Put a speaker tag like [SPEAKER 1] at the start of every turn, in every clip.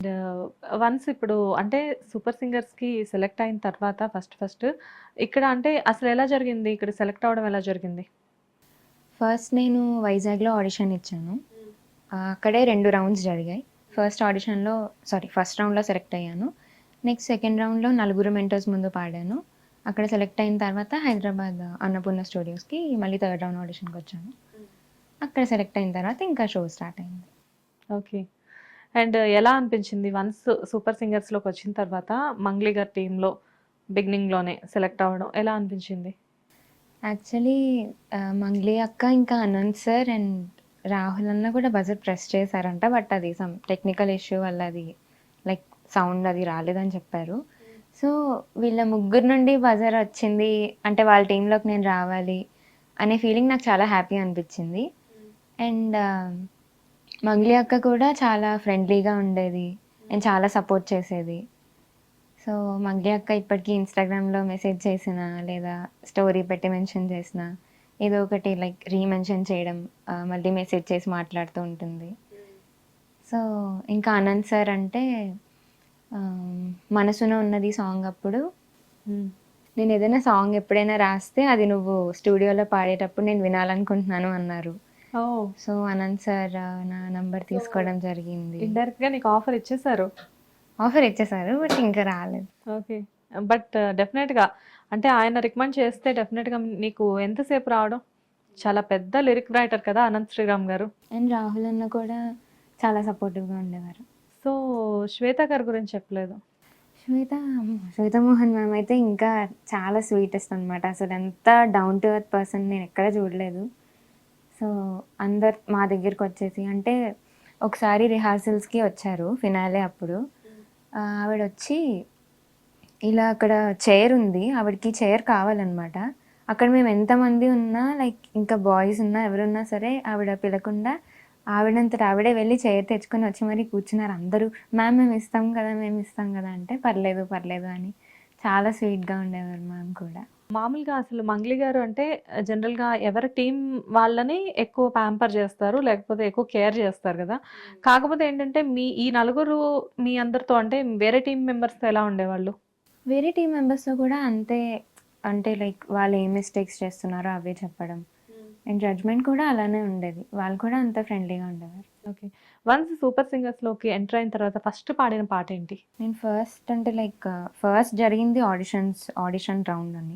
[SPEAKER 1] Once ఇప్పుడు అంటే super సింగర్స్‌కి select అయిన తర్వాత ఫస్ట్ ఇక్కడ అంటే అసలెలా జరిగింది? ఇక్కడ సెలెక్ట్ అవ్వడం ఎలా జరిగింది?
[SPEAKER 2] ఫస్ట్ నేను వైజాగ్‌లో ఆడిషన్ ఇచ్చాను. అక్కడే 2 రౌండ్స్ జరిగాయి. ఫస్ట్ రౌండ్‌లో సెలెక్ట్ అయ్యాను. నెక్స్ట్ సెకండ్ రౌండ్‌లో నలుగురు మెంటర్స్ ముందు పాడాను. అక్కడ సెలెక్ట్ అయిన తర్వాత హైదరాబాద్ అన్నపూర్ణ స్టూడియోస్‌కి మళ్ళీ థర్డ్ రౌండ్ ఆడిషన్‌కొచ్చాను. అక్కడ సెలెక్ట్ అయిన తర్వాత ఇంకా షో స్టార్ట్ అయింది.
[SPEAKER 1] ఓకే. అండ్ ఎలా అనిపించింది? వన్స్ సూపర్ సింగర్స్‌లోకొచ్చిన తర్వాత మంగ్లీ గారి టీమ్‌లో బిగినింగ్‌లోనే సెలెక్ట్ అవ్వడం ఎలా అనిపించింది?
[SPEAKER 2] యాక్చువల్లీ మంగ్లీ అక్క, ఇంకా అనంత్ సార్ అండ్ రాహుల్ అన్న కూడా బజర్ ప్రెస్ చేశారంట. బట్ అది సమ్ టెక్నికల్ ఇష్యూ వల్ల అది లైక్ సౌండ్ అది రాలేదని చెప్పారు. సో వీళ్ళ ముగ్గురు నుండి బజర్ వచ్చింది అంటే వాళ్ళ టీంలోకి నేను రావాలి అనే ఫీలింగ్ నాకు చాలా హ్యాపీ అనిపించింది. అండ్ మంగ్లీ అక్క కూడా చాలా ఫ్రెండ్లీగా ఉండేది అండ్ చాలా సపోర్ట్ చేసేది. సో మంగ్లీ అక్క ఇప్పటికీ ఇన్స్టాగ్రామ్లో మెసేజ్ చేసినా లేదా స్టోరీ పెట్టి మెన్షన్ చేసినా ఏదో ఒకటి లైక్ రీమెన్షన్ చేయడం, మళ్ళీ మెసేజ్ చేసి మాట్లాడుతూ ఉంటుంది. సో ఇంకా అనంత్ సార్ అంటే మనసున ఉన్నది సాంగ్ అప్పుడు నేను ఏదైనా సాంగ్ ఎప్పుడైనా రాస్తే అది నువ్వు స్టూడియోలో పాడేటప్పుడు నేను వినాలనుకుంటున్నాను అన్నారు.
[SPEAKER 1] ఓహ్!
[SPEAKER 2] సో అనంత్ సార్ నా నంబర్ తీసుకోవడం జరిగింది.
[SPEAKER 1] ఇండైరెక్ట్‌గా నీకు ఆఫర్ ఇచ్చేసారు.
[SPEAKER 2] ఆఫర్ ఇచ్చేసారు బట్ ఇంకా రాలేదు.
[SPEAKER 1] ఓకే. బట్ డెఫినెట్‌గా అంటే ఆయన రికమెండ్ చేస్తే డెఫినెట్‌గా నీకు ఎంతసేపు రావడం? చాలా పెద్ద లిరిక్ రైటర్ కదా అనంత్ శ్రీరామ్ గారు.
[SPEAKER 2] అండ్ రాహుల్ అన్న కూడా చాలా సపోర్టివ్గా ఉండేవారు.
[SPEAKER 1] సో శ్వేత గారి గురించి చెప్పలేదు.
[SPEAKER 2] శ్వేతమోహన్ మ్యామ్ అయితే ఇంకా చాలా స్వీటెస్ట్ అనమాట. అసలు ఎంత డౌన్ టు ఎర్త్ పర్సన్ నేను ఎక్కడ చూడలేదు. సో అందరు మా దగ్గరికి వచ్చేసి అంటే ఒకసారి రిహార్సల్స్కి వచ్చారు ఫినాలే అప్పుడు. ఆవిడ వచ్చి ఇలా అక్కడ చైర్ ఉంది, ఆవిడకి చైర్ కావాలన్నమాట. అక్కడ మేము ఎంతమంది ఉన్నా లైక్ ఇంకా బాయ్స్ ఉన్నా ఎవరున్నా సరే ఆవిడ పిలకుండా ఆవిడంతట ఆవిడే వెళ్ళి చైర్ తెచ్చుకొని వచ్చి మరీ కూర్చున్నారు అందరూ. మ్యామ్ మేము ఇస్తాం కదా అంటే పర్లేదు పర్లేదు అని చాలా స్వీట్గా ఉండేవారు మ్యామ్ కూడా.
[SPEAKER 1] మామూలుగా అసలు మంగ్లీ గారు అంటే జనరల్‌గా ఎవరి టీమ్ వాళ్ళని ఎక్కువ ప్యాంపర్ చేస్తారు. లేకపోతే ఎక్కువ కేర్ చేస్తారు కదా! కాకపోతే ఏంటంటే ఈ నలుగురు మీ అందరితో అంటే వేరే టీమ్ మెంబర్స్‌తో ఎలా ఉండేవాళ్ళు?
[SPEAKER 2] వేరే టీం మెంబర్స్తో కూడా అంతే. అంటే లైక్ వాళ్ళు ఏం మిస్టేక్స్ చేస్తున్నారో అవే చెప్పడం అండ్ జడ్జ్మెంట్ కూడా అలానే ఉండేది. వాళ్ళు కూడా అంత ఫ్రెండ్లీగా ఉండేవారు.
[SPEAKER 1] ఓకే. వన్స్ సూపర్ సింగర్స్‌లోకి ఎంటర్ అయిన తర్వాత ఫస్ట్ పాడిన పాట ఏంటి?
[SPEAKER 2] నేను ఫస్ట్ జరిగింది ఆడిషన్ రౌండ్ అని.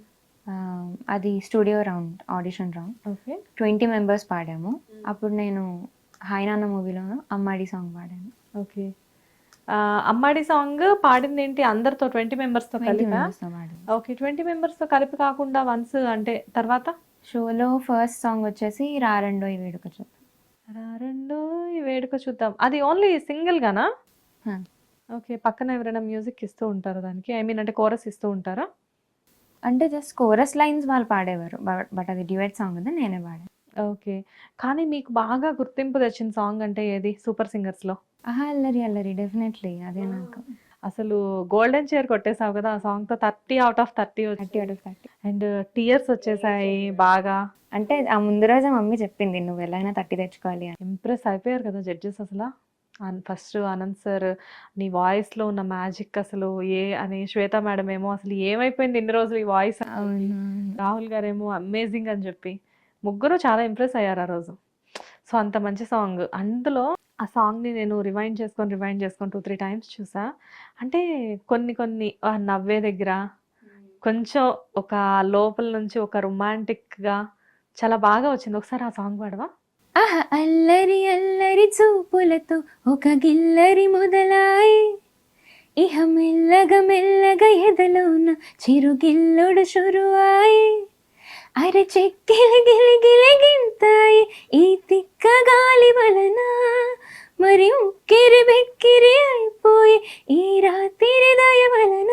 [SPEAKER 2] అది studio round, audition round.
[SPEAKER 1] Okay.
[SPEAKER 2] 20 members పాడాము. అప్పుడు నేను హాయ్ నాన్న మూవీలో అమ్మాడి సాంగ్ పాడాను.
[SPEAKER 1] ఓకే. అమ్మాడి సాంగ్ పాడిందేంటి అందరితో 20 మెంబర్స్‌తో
[SPEAKER 2] 20
[SPEAKER 1] కలిపా?
[SPEAKER 2] మెంబర్స్తో పాడాను.
[SPEAKER 1] ఓకే. 20 మెంబర్స్‌తో కలిపి కాకుండా వన్స్ అంటే తర్వాత?
[SPEAKER 2] షోలో ఫస్ట్ సాంగ్ వచ్చేసి రారండోయ్ వేడుక చూద్దాం.
[SPEAKER 1] రారండోయ్ వేడుక చూద్దాం. అది ఓన్లీ సింగిల్ గానా?
[SPEAKER 2] హా.
[SPEAKER 1] ఓకే. పక్కన ఎవరైనా మ్యూజిక్ ఇస్తూ ఉంటారా దానికి? ఐ మీన్ అంటే కోరస్ ఇస్తూ ఉంటారా?
[SPEAKER 2] అంటే జస్ట్ కోరస్ లైన్స్ వాళ్ళు పాడేవారు. బట్ అది డ్యూయట్ సాంగ్ కదా, నేనే పాడాను.
[SPEAKER 1] ఓకే. కానీ మీకు బాగా గుర్తింపు తెచ్చిన సాంగ్ అంటే ఏది సూపర్ సింగర్స్‌లో?
[SPEAKER 2] ఆహా అల్లరి అల్లరి డెఫినెట్లీ అదే నాకు.
[SPEAKER 1] అసలు గోల్డెన్ చైర్ కొట్టేసావు కదా! ఆ సాంగ్‌తో 30 ఔట్ ఆఫ్ 30
[SPEAKER 2] 30
[SPEAKER 1] వచ్చింది.
[SPEAKER 2] out of 30.
[SPEAKER 1] అండ్ టీయర్స్ వచ్చేసాయి బాగా.
[SPEAKER 2] అంటే ఆ ముందు రోజే మమ్మీ చెప్పింది నువ్వు ఎలా అయినా 30 తెచ్చుకోవాలి అని.
[SPEAKER 1] ఇంప్రెస్ అయిపోయారు కదా జడ్జెస్ అసల. ఫస్ట్ ఆనంద్ సార్ నీ వాయిస్‌లో ఉన్న మ్యాజిక్ అసలు అని శ్వేత మేడం ఏమో అసలు ఏమైపోయింది ఇన్ని రోజులు ఈ వాయిస్ అని చెప్పి.
[SPEAKER 2] అవును.
[SPEAKER 1] రాహుల్ గారేమో అమేజింగ్ అని చెప్పి. ముగ్గురు చాలా ఇంప్రెస్ అయ్యారు ఆ రోజు. సో అంత మంచి సాంగ్. అందులో ఆ సాంగ్‌ని నేను రివైండ్ చేసుకొని 2, 3 టైమ్స్ చూసా. అంటే కొన్ని నవ్వే దగ్గర కొంచెం ఒక లోపల నుంచి ఒక రొమాంటిక్‌గా చాలా బాగా వచ్చింది. ఒకసారి ఆ సాంగ్ పాడవా?
[SPEAKER 2] ఆహా అల్లరి అల్లరి చూపులతో ఒక గిల్లరి మొదలాయి, ఇహ మెల్లగా మెల్లగా ఎదలోన చిరుగిల్లుడు షురువాయి, అరె చెక్కిలి గిలి గిలి గింతాయి ఈ తిక్క గాలి వలన, మరి ఉక్కిరి బెక్కిరి అయిపోయి ఈ రాత్రి దయ వలన.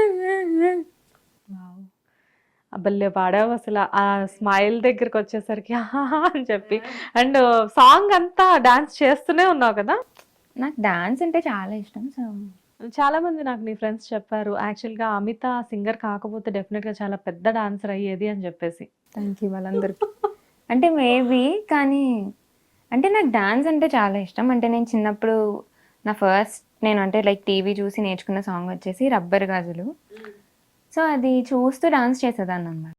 [SPEAKER 1] వావ్! భలే పాడావు అసల. ఆ స్మైల్ దగ్గరికి వచ్చేసరికి ఆహాహా అని చెప్పి. అండ్ సాంగ్ అంతా డాన్స్ చేస్తూనే ఉన్నావు కదా!
[SPEAKER 2] నాకు డాన్స్ అంటే చాలా ఇష్టం. సో
[SPEAKER 1] చాలా మంది నాకు నీ ఫ్రెండ్స్ చెప్పారు. యాక్చువల్‌గా అమిత సింగర్ కాకపోతే డెఫినిట్‌గా చాలా పెద్ద డాన్సర్ అయ్యేది అని చెప్పేసి.
[SPEAKER 2] థ్యాంక్ యూ వాళ్ళందరికీ. అంటే మేబీ కానీ అంటే నాకు డాన్స్ అంటే చాలా ఇష్టం. అంటే నేను చిన్నప్పుడు నా ఫస్ట్ నేను అంటే లైక్ టీవీ చూసి నేర్చుకున్న సాంగ్ వచ్చేసి 'రబ్బర్ గాజులు'. సో, అది చూస్తూ డాన్స్ చేసేదాన్ననమాట.